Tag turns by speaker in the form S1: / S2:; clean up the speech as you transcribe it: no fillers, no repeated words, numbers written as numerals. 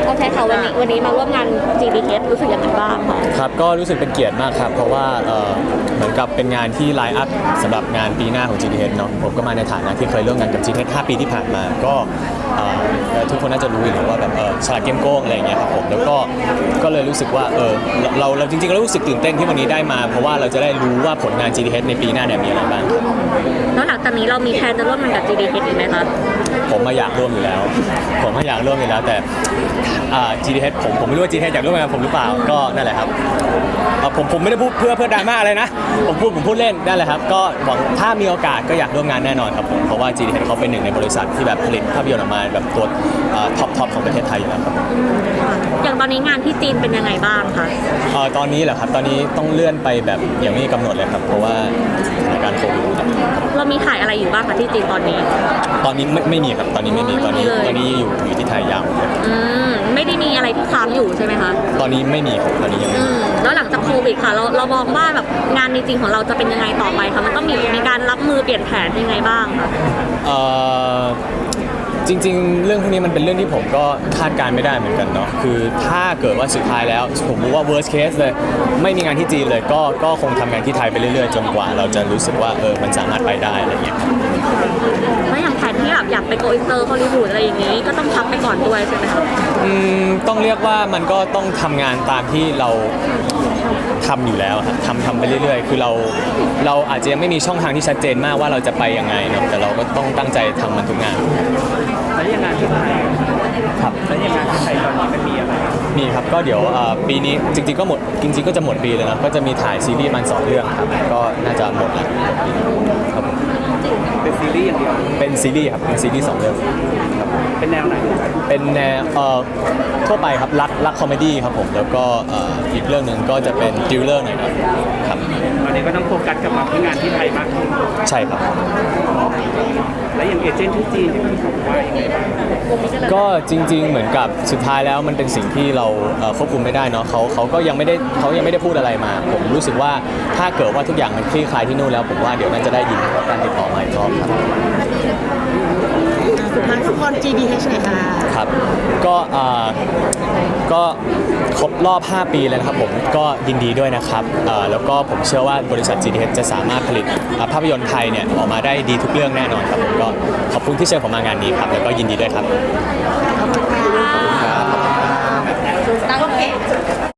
S1: เขาใช้เขาวันนี้มาร่วมงาน GDH รู้สึกยังไงบ้างคะ
S2: ครับก็รู้สึกเป็นเกียรติมากครับเพราะว่าเหมือนกับเป็นงานที่ไลน์อัพสำหรับงานปีหน้าของ GDH เนาะผมก็มาในฐานะที่เคยร่วมงานกับ GDH 5 ปีที่ผ่านมาก็ทุกคนน่าจะรู้อยู่แล้วว่าแบบฉลาดเกมโกงอะไรอย่างเงี้ยครับผมแล้วก็เลยรู้สึกว่าเราจริงๆเรารู้สึกตื่นเต้นที่วันนี้ได้มาเพราะว่าเราจะได้รู้ว่าผลงาน GDH ในปีหน้าเนี่ยมีอะไรบ้างครับ
S1: แล้วหลังจากนี้เรามีแพลนจะร่วมงานกับ GDH อีกไหมคะ
S2: ผมมาอยากร่วมอยู่แล้วแต่GDH ผมไม่รู้ว่า GDH อยากร่วมงานกับผมหรือเปล่าก็นั่นแหละครับผมไม่ได้พูดเพื่อดราม่าอะไรนะผมพูดเล่นนั่นแหละครับก็หวังถ้ามีโอกาสก็อยากร่วมงานแน่นอนครับผมเพราะว่า GDH เขาเป็นหนึ่งในบริษัทที่แบบผลิตภาพยนตร์ออกมาแบบตัวท็อปของประเทศไทยอยู่แล้วครับ
S1: อย่างตอนนี้งานที่จีนเป็นยังไงบ้างคะ
S2: ตอนนี้เหรอครับตอนนี้ต้องเลื่อนไปแบบยังไม่มีกำหนดเลยครับเพราะว่าสถานการณ์โควิด
S1: เรามีถ่ายอะไรอยู่บ้างคะที่จีนตอนนี้
S2: ไม่มีครับตอนนี้ไม่มีตอนนี้อยู่ที่ไทยยาว
S1: ไม่ได้มีอะไรที่ค้างอยู่ใช่ไหมคะ
S2: ตอนนี้ไม่มีครับตอนนี้ยังไม่มี
S1: แล้วหลังจากโควิดค่ะเรามองว่าแบบงานจริงๆของเราจะเป็นยังไงต่อไปคะมันต้องมีการรับมือเปลี่ยนแผนยังไงบ้างคะ
S2: จริงๆเรื่องพวกนี้มันเป็นเรื่องที่ผมก็คาดการไม่ได้เหมือนกันเนาะคือถ้าเกิดว่าสุดท้ายแล้วผมรู้ว่า worst case เลยไม่มีงานที่จีนเลยก็คงทำงานที่ไทยไปเรื่อยๆจนกว่าเราจะรู้สึกว่ามันสามารถไปได้อะไรอย่างเงี้ย
S1: ไม่อย่างแผนที่แบบอยากไปโกอินเตอร์ฮอลลีวูดอะไรอย่างนี้ก็ต้องพักไปก่อนด้วยใช่ไหมคะ
S2: ต้องเรียกว่ามันก็ต้องทำงานตามที่เราทำอยู่แล้วครับทำไปเรื่อยๆคือเราอาจจะยังไม่มีช่องทางที่ชัดเจนมากว่าเราจะไปยังไงเนาะแต่เราก็ต้องตั้งใจทำมันทุกงาน
S3: แล้วยังงานที่ไทย
S2: ครับ
S3: แล้วยังงานที่ไทยตอนนี้มันมีอะไร
S2: มีครับก็เดี๋ยวปีนี้จริงๆก็จะหมดปีเลยนะก็จะมีถ่ายซีรีส์มัน2 เรื่องครับก็น่าจะหมดแล้วครับ
S3: เป็นซีรีส์อย่างเดียว
S2: เป็นซีรีส์ครับเป็นซีรีส์2 เรื่อง
S3: เป็นแนวไหน
S2: เป็นแนวทั่วไปครับรักคอมเมดี้ครับผมแล้วก็อีกเรื่องหนึ่งก็จะเป็นทริลเลอร์หน่อยครับ
S3: ตอนนี้ก็ต้องโฟกัสกับที่งานที่ไทยมากขึ้น
S2: ใช่ครับ
S3: แล้วอย่างเอเจนต์ที่จีนที่คุณบอกว่าอย่างไรบ้าง
S2: ก็จริงๆเหมือนกับสุดท้ายแล้วมันเป็นสิ่งที่เราควบคุมไม่ได้เนาะเขาก็ยังไม่ได้พูดอะไรมาผมรู้สึกว่าถ้าเกิดว่าทุกอย่างมันคลี่คลายที่นู่นแล้วผมว่าเดี๋ยวน่าจะได้ยินการติดต่อมาอีกรอบครับ
S1: สุดท้ายทุกคน GDH หน่อยค่ะ
S2: ครับก็ครบรอบ5 ปีแล้วนะครับผมก็ยินดีด้วยนะครับแล้วก็ผมเชื่อว่าบริษัท GDH จะสามารถผลิตภาพยนตร์ไทยเนี่ยออกมาได้ดีทุกเรื่องแน่นอนครับผมก็ขอบคุณที่เชิญผมมางานนี้ครับแล้วก็ยินดีด้วยครับ
S1: ขอบคุณค่ะ